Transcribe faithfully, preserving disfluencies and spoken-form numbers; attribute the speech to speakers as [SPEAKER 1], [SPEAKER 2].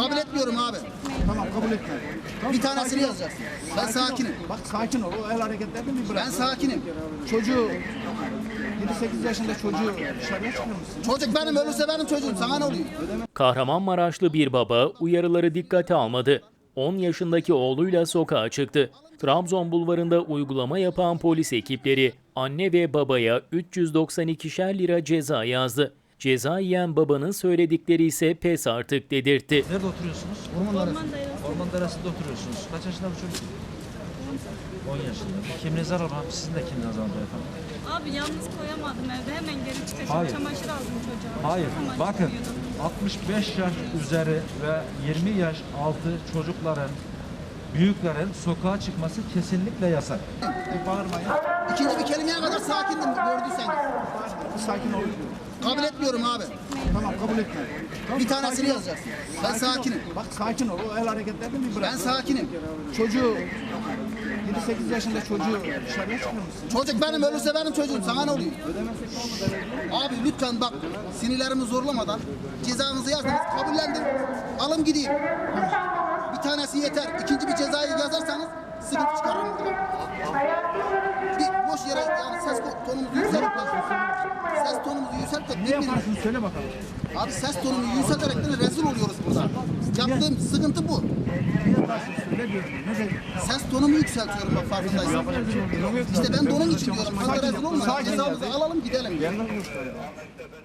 [SPEAKER 1] Kabul etmiyorum abi.
[SPEAKER 2] Tamam, kabul etme. Tamam,
[SPEAKER 1] Bir tanesini
[SPEAKER 2] sakin ol.
[SPEAKER 1] yazacaksın. Ben
[SPEAKER 2] Sakin ol.
[SPEAKER 1] sakinim.
[SPEAKER 2] Bak sakin ol. O el hareketlerini bir bırak.
[SPEAKER 1] Ben sakinim.
[SPEAKER 2] Çocuğu yedi sekiz yaşında çocuğu dışarıya çıkarmışsın.
[SPEAKER 1] Çocuk benim, ölürse benim çocuğum. Sana ne oluyor?
[SPEAKER 3] Kahramanmaraşlı bir baba uyarıları dikkate almadı. on yaşındaki oğluyla sokağa çıktı. Trabzon bulvarında uygulama yapan polis ekipleri anne ve babaya üç yüz doksan ikişer lira ceza yazdı. Ceza yiyen babanın söyledikleri ise pes artık dedirtti.
[SPEAKER 4] Nerede oturuyorsunuz?
[SPEAKER 2] Orman arası.
[SPEAKER 4] Orman Dairesi'nde oturuyorsunuz. Kaç yaşında bu çocuk? on yaşında. Kimliğinizi alalım abi. Sizin de kimliğinizi alalım efendim.
[SPEAKER 5] Abi yalnız koyamadım evde. Hemen geri çıkacağım.
[SPEAKER 4] Hayır.
[SPEAKER 5] Çamaşır aldım çocuğa.
[SPEAKER 4] Hayır.
[SPEAKER 5] Hemen
[SPEAKER 4] Bakın
[SPEAKER 5] çıkıyordum.
[SPEAKER 4] altmış beş yaş üzeri ve yirmi yaş altı çocukların, büyüklerin sokağa çıkması kesinlikle yasak.
[SPEAKER 2] Bir bağırmayın.
[SPEAKER 1] İkinci bir kelimeye kadar sakindim gördüysen.
[SPEAKER 2] Bir sakin ol.
[SPEAKER 1] Kabul etmiyorum abi.
[SPEAKER 2] Tamam, kabul etme. Tamam,
[SPEAKER 1] Bir tanesini
[SPEAKER 2] sakin ol.
[SPEAKER 1] yazacaksın. Ben
[SPEAKER 2] Sakin ol.
[SPEAKER 1] sakinim.
[SPEAKER 2] Bak sakin ol. O el hareketlerini bir bırak.
[SPEAKER 1] Ben sakinim.
[SPEAKER 2] Çocuğu yedi sekiz yaşında çocuğu dışarıya çıkarmışsın.
[SPEAKER 1] Çocuk benim, ölürse benim çocuğum. Sana ne oluyor? Abi lütfen bak, sinirlerimi zorlamadan cezanızı yazdınız, kabullendim. Alın gideyim. Bir tanesi yeter. İkinci bir cezayı yazarsanız sıkıntı çıkarırım buradan. Bir boş yere yani ses tonumuzu yükseltip ses tonumuzu yükseltip
[SPEAKER 2] Ne yaparsın söyle bakalım.
[SPEAKER 1] abi ses tonumu yükselterek de rezil oluyoruz burada. Yaptığım sıkıntı bu.
[SPEAKER 2] Ne yaparsın söyle diyorum. Ne de
[SPEAKER 1] Ses tonumu yükseltiyorum bak, farkındaysan. İşte ben de onun için diyorum. Fazla rezil olma.
[SPEAKER 2] Sakin.
[SPEAKER 1] Cezamızı alalım gidelim.
[SPEAKER 2] Yanına konuşma ya.